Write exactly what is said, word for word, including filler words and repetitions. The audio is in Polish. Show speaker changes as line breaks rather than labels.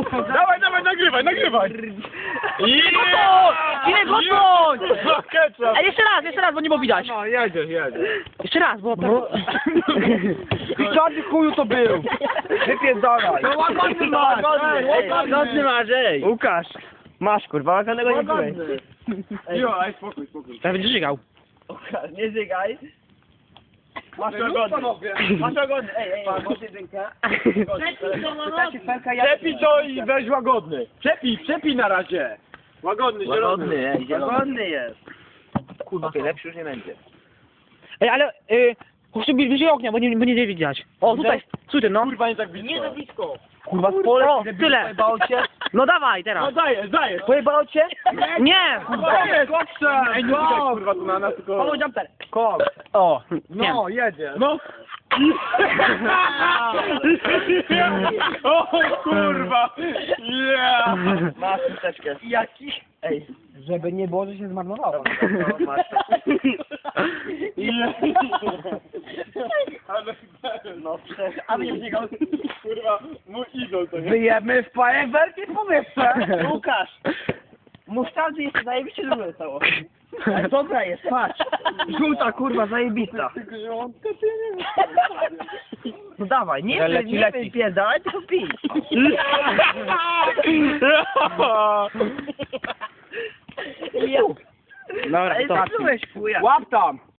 Dawaj, dawaj, nagrywaj, nagrywaj!
Ile gotwoń!
Ketchup!
A jeszcze raz, jeszcze raz, bo nie było widać.
No, jedzie, jedzie.
Jeszcze raz, bo tak...
Czarny chuju to był! Wypierdalaj!
No łagodny masz!
Ej, łagodny masz, ej!
Łukasz! Masz kurwa, łagodnego nie byłeś.
Jo, aj spokój, spokój.
Teraz będziesz żygał.
Łukasz, nie zygaj. Masz
Ej,
łagodny.
panowie.
Masz łagodny. Ej, ej, masz jedynkę.
Przepij to i weź łagodny. Przepij, przepij na razie. Łagodny, zielony.
Łagodny, ej, łagodny jest. Kurwa, okay, lepszy już nie będzie.
Ej, ale... Y, chodź tu bliżej ognia, bo nie, bo nie widać. O, tutaj, tutaj, no.
Kurwa, nie tak blisko.
Nie za blisko.
Kurwa, w pole, o, tyle.
Pojebało cię?
No dawaj,
No
teraz.
dajesz, dajesz.
Pojebało cię?
Nie!
Dajesz, koksa. Ej, nie czekaj, kurwa, tu na nas tylko...
Paweł jumper.
Kok.
O,
No, jedzie. No. O kurwa! Yeah!
Masz chusteczkę.
Jaki?
Ej,
Żeby nie było, że się zmarnowało.
no, masz.
Yeah. Ale
No, przecież.
A my nie biegał.
kurwa, mój idol to jest.
Wyjemy w fajerwerki w powietrze.
Łukasz! Musztardy jeszcze zajebiście dużo stało. Ale dobra jest, patrz. Żółta kurwa, zajebista.
Tylko, że on to ty nie
No dawaj, nie
Ale
wy,
leci,
nie
leci.
wypierdalaj, tylko pij.
Dobra,
Ej,
to.
zepsułeś chuja.
Łap tam!